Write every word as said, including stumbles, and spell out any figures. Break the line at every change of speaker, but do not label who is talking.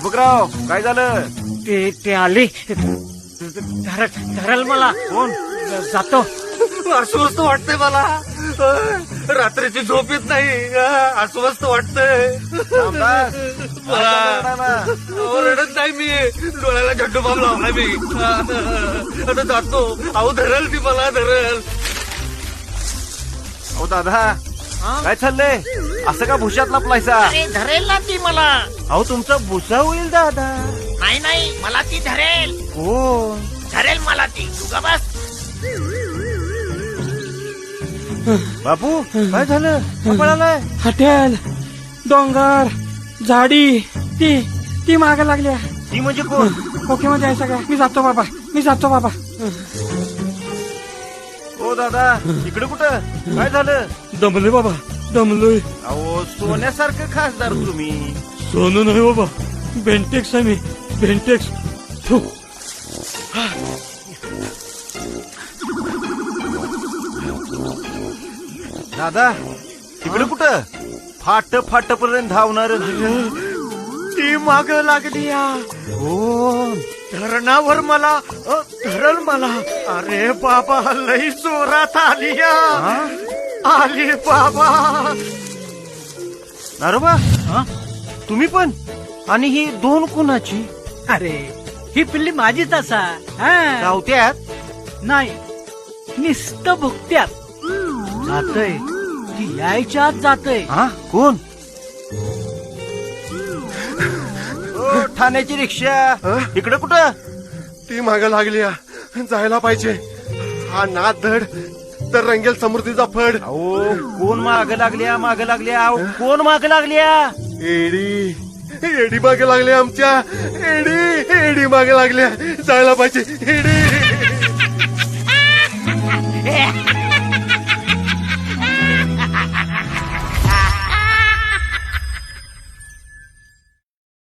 दीपकराव काय झालं?
ते ते आले धर धरल मला.
कोण?
जातो.
अस्वस्थ वाटतंय मला. रात्रीची झोप येत नाही. अस्वस्थ वाटतंय.
रामदास,
मला
रडा ना.
अहो, रडत नाही मी. डोळ्याला झड्डू बाम लावला मी. आता जातो. अहो धरल ती मला धरल.
अहो दादा काय चाललंय? असं का भुशात लपलायसा?
अरे धरेल ना ती मला.
अहो तुमचा भुसा होईल दादा.
नाही नाही मला ती धरेल.
कोण?
धरेल मला ती. तू का बस.
बापू काय झालं? का पळालाय?
हॉटेल डोंगर झाडी ती ती माग लागल्या.
ती म्हणजे कोण?
ओके मध्ये आहे सगळ्या. मी जातो बाबा. मी जातो बाबा.
ओ दादा इकडे कुठं? काय झालं?
दमलोय बाबा. दमलोय.
अहो सोन्यासारखं खासदार तुम्ही.
सोनू नाही बाबा. बेंटेक्स आहे मी. बेंटेक्स. थू.
दादा इकडे कुठं? फाट फाट पर्यंत धावणार.
ती माग लागली.
कोण?
धरणावर मला अ, धरल मला. अरे बाबा लई जोरात आली या. आली बाबा.
नारोबा तुम्ही पण? आणि ही दोन कुणाची?
अरे ही पिल्ली माझीच असा. हा.
गावत्यात?
नाही निस्त भुकत्यात. जातय ती यायच्या आत जातय.
हा कोण? ओ, ठाण्याची रिक्षा इकडे कुठं?
ती माग लागली. जायला पाहिजे. हा नाद धड तर रंगेल समृद्धीचा फड.
अहो कोण माग लागल्या? माग लागल्या? अहो, कोण माग लागल्या?
एडी एडी मागे लागले आमच्या. एडी एडी मागे लागल्या. जायला पाहिजे. एडी